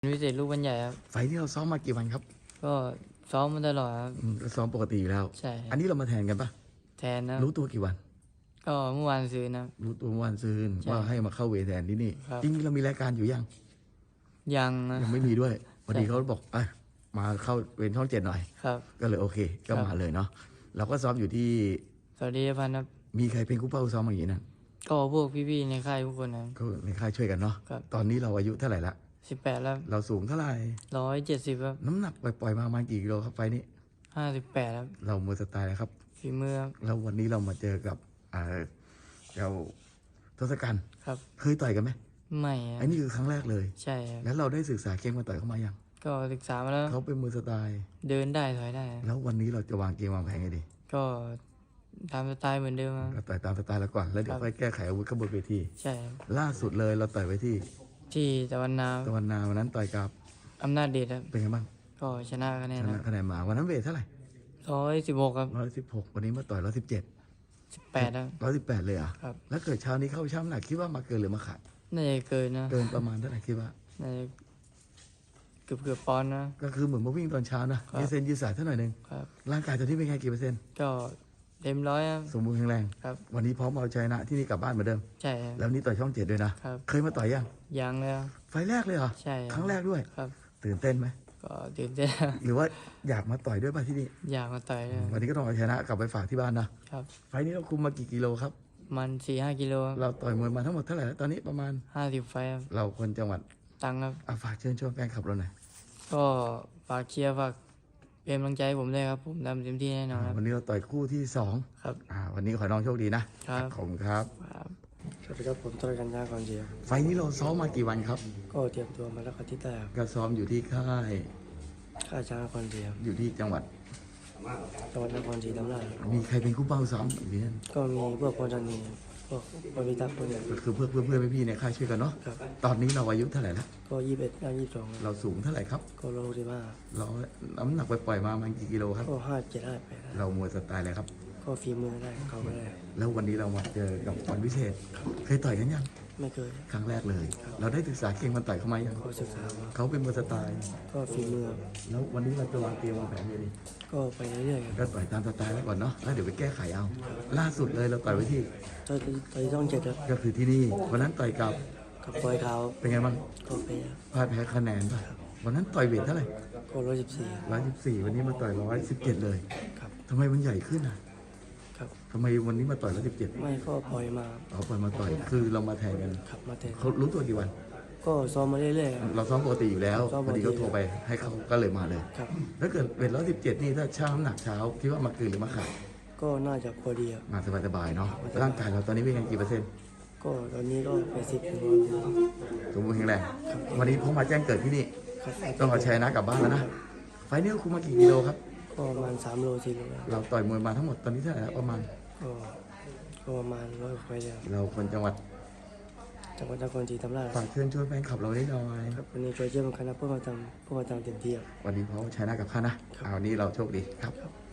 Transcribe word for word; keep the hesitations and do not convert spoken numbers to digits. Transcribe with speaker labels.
Speaker 1: วิเศษลูกบรรใหญ่ครับ
Speaker 2: ไฟล์ที่เราซ้อมมากี่วันครับ
Speaker 1: ก็ซ้อมมาตลอดครับ
Speaker 2: อืมก็ซ้อมปกติอยู่แล้ว
Speaker 1: ใช่
Speaker 2: อันนี้เรามาแทนกันปะ
Speaker 1: แทนนะ
Speaker 2: รู้ตัวกี่วัน
Speaker 1: ก็เมื่อวานซื้อนะ
Speaker 2: รู้ตัวเมื่อวันซืน
Speaker 1: ใช่
Speaker 2: ว่าให้มาเข้าเวรแทนที่นี่
Speaker 1: ครับ
Speaker 2: จริงๆเรามีรายการอยู่ยัง
Speaker 1: ยังนะ
Speaker 2: ยังไม่มีด้วยพอดี
Speaker 1: ใช่
Speaker 2: เขาบอกอ่ะมาเข้าเวรช่องเจ็ดหน่อย
Speaker 1: ครับ
Speaker 2: ก็เลยโอเคก็
Speaker 1: ครับ
Speaker 2: มาเลยเนาะเราก็ซ้อมอยู่ที่
Speaker 1: สวัสดีพันธ์ครับ
Speaker 2: มีใครเป็นคู่เป้าซ้อมอย่างนี้นะ
Speaker 1: ก็พวกพี่ๆในค่ายทุกคนนะ
Speaker 2: ก็ในค่ายช่วยกันเนาะ
Speaker 1: ครับ
Speaker 2: ตอนนี้เราอายุเท่าไหร่ละ
Speaker 1: สิบแปดแล้ว
Speaker 2: เราสูงเท่าไหร่
Speaker 1: ร้อยเจ็ดสิบครับ
Speaker 2: น้ำหนักปล่อยๆมาประมาณกี่กิโลครับไฟล์นี้
Speaker 1: ห้าสิบแปดครับ
Speaker 2: เรามือสไตล์แล้วครับ
Speaker 1: ฝีมือครับ
Speaker 2: แล้ววันนี้เรามาเจอกับเอ่อเจ้าทศกัณฐ์
Speaker 1: ครับ
Speaker 2: เคยต่อยกันไหม
Speaker 1: ไม่ครั
Speaker 2: อันนี้คือครั้งแรกเลย
Speaker 1: ใช่ครับ
Speaker 2: แล้วเราได้ศึกษาเกมมาต่อยเขามายัง
Speaker 1: ก็ศึกษามาแล้ว
Speaker 2: เขาเป็นมือสไตล์
Speaker 1: เดินได้ถอยได้
Speaker 2: แล้ววันนี้เราจะวางเกมวางแผนไงดี
Speaker 1: ก็ตามสไตล์เหมือนเดิมครับ
Speaker 2: เราต่อยตามสไตล์เราก่อน แล้วเดี๋ยวค่อยแก้ไขอาวุธข้างบนเวที
Speaker 1: ใช่ครับ
Speaker 2: ล่าสุดเลยเราต่อยไว้ที่
Speaker 1: ที่ตะวันนา
Speaker 2: ตะวันนาวันนั้นต่อยกับ
Speaker 1: อำนาจเดชครับ
Speaker 2: เป็นไงบ้าง
Speaker 1: ก็ชนะคะแน
Speaker 2: ช
Speaker 1: น
Speaker 2: นะคะแนนมาวันนั้นเวทเท่าไหร่
Speaker 1: ร้อยสิบหกครับ
Speaker 2: ร้อยสิบหกวันนี้มาต่อยร้อยสิบเจ็ด
Speaker 1: สิบแปดครับ
Speaker 2: ร้อยสิบแปดเลยเหรอ่ะ
Speaker 1: ครับ
Speaker 2: แล้วเกิดเช้านี้เข้าช่างน้ำหนักคิดว่ามาเกินหรือมาขาด
Speaker 1: น่าจะเกินนะ
Speaker 2: เกินประมาณเท่าไหร่คิดว่า
Speaker 1: น่าจะเกือบเกือบปอนด์นะ
Speaker 2: ก็คือเหมือนมาวิ่งตอนเช้านะครับ ยืดเส้นยืดสายเท่าหน่อยหนึ่ง
Speaker 1: ครับ
Speaker 2: ร่างกายตอนนี้เป็นไงกี่เปอร์เซ็นต์
Speaker 1: ก็เต็มร้อยครับ
Speaker 2: สมบูรณ์แข็งแรง
Speaker 1: ครับ
Speaker 2: วันนี้พร้อมเอาชนะที่นี่กลับบ้านเหมือนเดิม
Speaker 1: ใช่ครับ
Speaker 2: แล้ววันนี้ต่อยช่องเจ็ดด้วยนะ
Speaker 1: ครับ
Speaker 2: เคยมาต่อยยัง
Speaker 1: ยังเลยครับ
Speaker 2: ไฟล์แรกเลยเหรอ
Speaker 1: ใช่ค
Speaker 2: ค
Speaker 1: รั
Speaker 2: รั้
Speaker 1: บ
Speaker 2: งแรกด้วย
Speaker 1: ครับ
Speaker 2: ตื่นเต้นไหม
Speaker 1: ก็ตื่นเต้นครับ
Speaker 2: หรือว่าอยากมาต่อยด้วยป่ะที่นี่
Speaker 1: อยากมาต่อยเลย
Speaker 2: วันนี้ก็ต้องเอาชนะกลับไปฝากที่บ้านนะ
Speaker 1: ครับ
Speaker 2: ไฟล์นี้เราคุมมากี่กิโลครับ
Speaker 1: มันสี่ห้ากิโล
Speaker 2: เราต่อยมวยมาทั้งหมดเท่าไหร่แล้วตอนนี้ประมาณ
Speaker 1: ห้าสิบไฟครับ
Speaker 2: เราคนจังหวัด
Speaker 1: ตังค์ครับ
Speaker 2: อาฝากเชิญชวนแฟนคลับเราหน่อย
Speaker 1: ก็ฝากเชียร์ฝากเป็นกำลังใจให้ผมด้วยครับ ผมทำเต็มที่แน่นอนครับ
Speaker 2: วันนี้เราต่อยคู่ที่สอง
Speaker 1: ครับ
Speaker 2: อ่าวันนี้ขอให้น้องโชคดีนะครับ ขอบคุณครับ
Speaker 1: ครับ
Speaker 3: สวัสดีครับผมต้อยกันยาก่อนเจีย
Speaker 2: ไฟล์นี้เราซ้อมมากี่วันครับ
Speaker 3: ก็เตรียมตัวมาแล้วอาทิตย์แรก
Speaker 2: ก็ซ้อมอยู่ที่ค่าย
Speaker 3: ข้าช้างนครเจีย
Speaker 2: อยู่ที่จังหวัด
Speaker 3: จังหวัดนครศรีธรรมราช
Speaker 2: มีใครเป็นคู่เป้าซ้อมอยู่ที่นั่น
Speaker 3: ก็มีพวกพลจันนีพวกบริทักษ์พวกเนี้ย
Speaker 2: ก็คือเพื่อนเพื่อนเพื่อนพี่ๆในค่ายช่วยกันเนาะ
Speaker 3: ครับ
Speaker 2: ตอนนี้เราอายุเท่าไหร่แล้ว
Speaker 3: ก็ยี่สิบเอ็ดย่างยี่สิบสอง
Speaker 2: เราสูงเท่าไหร่ครับ
Speaker 3: ก็โลสิบห้า
Speaker 2: เราน้ำหนักไปปล่อยๆมาประมันกี่กิโลครับ
Speaker 3: ก็ห้าเจ็ดห้าแปด
Speaker 2: เรามวยสไตล์อะไรครับ
Speaker 3: ก็ฝีมือได้เขาก็ได้
Speaker 2: แล้ววันนี้เรามาเจอกับวันพิเศษ เคยต่อยกันยัง
Speaker 3: ไม่เคย
Speaker 2: ครั้งแรกเลย เราได้ศึกษาเกมมันต่อยเข้ามายัง
Speaker 3: ก็ศึกษามา
Speaker 2: เขาเป็นมวยสไตล์
Speaker 3: ก็ฝีมือ
Speaker 2: แล้ววันนี้เราจะวางเกมวางแผนยังไงดี
Speaker 3: ก็ไปเรื่อยๆครับ
Speaker 2: ก็ต่อยตามสไตล์ไว้ก่อนเนาะ แล้วเดี๋ยวไปแก้ไขเอา ล่าสุดเลยเราต่อยไว้ที่
Speaker 3: ต่อยต่อยช่องเจ็ดครับ
Speaker 2: ก็คือที่นี่ วันนั้นต่อยกับ
Speaker 3: กับปล่อยเท้า
Speaker 2: เป็นไงบ้าง
Speaker 3: ก็ไป
Speaker 2: พลาดแพ้คะแนนป่ะ วันนั้นต่อยเวทเท่าไหร่
Speaker 3: ก็ร้อยสิบสี่
Speaker 2: ร้อยสิบสี่วันนี้มาต่อยร้อยสิบเจ็ดเลย
Speaker 3: ครับ
Speaker 2: ทำไมมันใหญ่ขึ้นอ่ะ
Speaker 3: ครับ
Speaker 2: ทำไมวันนี้มาต่อยร้อยสิบเจ็ด
Speaker 3: ไม่ก็ปล่อยมา
Speaker 2: เอาปล่อยมาต่อย คือเรามาแทนกัน
Speaker 3: ขับมาแทน
Speaker 2: เขารู้ตัวกี่วัน
Speaker 3: ก็ซ้อมมาเรื่อยๆครับ
Speaker 2: เราซ้อมปกติอยู่แล้ว
Speaker 3: ซ้อม
Speaker 2: พ
Speaker 3: ป
Speaker 2: อก
Speaker 3: ติ
Speaker 2: ดีเขาโทรไปให้เขาก็เลยมาเลย
Speaker 3: ครับ
Speaker 2: ถ้าเกิดเวทร้อยสิบเจ็ดนี่ถ้าช่างน้ำหนักเช้าคิดว่ามาเกินหรือมาขาด
Speaker 3: ก็น่าจะพอดีครับ
Speaker 2: มาสบายๆเนาะ ร่างกายเราตอนนี้เป็นไงกี่เปอร์เซ็นต์
Speaker 3: ก็ตอนนี้ก็ไปสิบถึงร้อยเปอร์เซ็นต์
Speaker 2: สมบูรณ์แข็งแรง วันนี้เขามาแจ้งเกิดที่นี่
Speaker 3: ครับ
Speaker 2: ต้องเอาชัยนะกลับบ้านแล้วนะ ไฟล์นี้เราคุมมากี่กิโลครับ
Speaker 3: ก็ประมาณสามโลสี่โลครับ
Speaker 2: เราต่อยมวยมาทั้งหมดตอนนี้เท่าไหร่แล้วประมาณ
Speaker 3: ก็ก็ประมาณร้อยกว่าไปเลยครับ
Speaker 2: เราคนจังหวัด
Speaker 3: จังหวัดนครศรีธรรมราช
Speaker 2: ฝากเชิญชวนแฟนคลับเราได้หน่อย
Speaker 3: ครับวันนี้ช่วยเยี่ยมคณะเพื่อมาทำเพื่อมาทำเต็มที่ครับ
Speaker 2: วันนี้เขาชัยนะกับข้านะเอาวันนี้เราโชคดีครับ